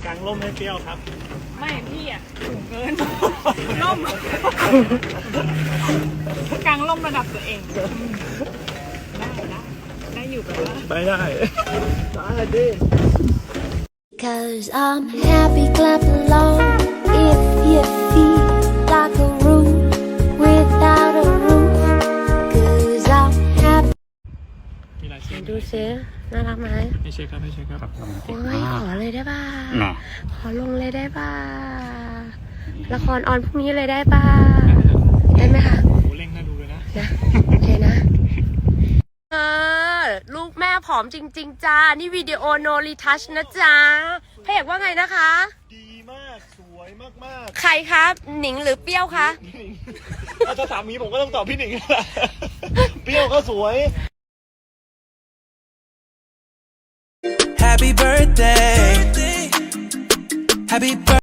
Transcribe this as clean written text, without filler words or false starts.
กางร่มให้เปรี้ยวครับไม่พี่อ่ะสูงเกินร่มกางร่มระดับตัวเองได้อยู่แบบว่าไปได้ได้ดิ 'Cause I'm happy, clap along if you feel like a room without a roof. 'Cause I'm happy. มีหลายชิ้นดูซิน่ารักไหมให้เช็คครับให้เช็คครับโอ้ยขอเลยได้ป่ะน่ะขอลงเลยได้ป่ะละครออนพรุ่งนี้เลยได้ป่ะได้ไหมคะโอ้เร่งน่าดูเลยนะนะโอเคนะลูกแม่ผอมจริงๆจ้านี่วิดีโอโนรีทัชนะจ๊ะพระเอกว่าไงนะคะดีมากสวยมากใครครับหนิงหรือเปรี้ยวคะๆถ้าสามีผมก็ต้องตอบพี่หนิงแหละเปรี้ยวก็สวย Happy birthday. Happy birthday.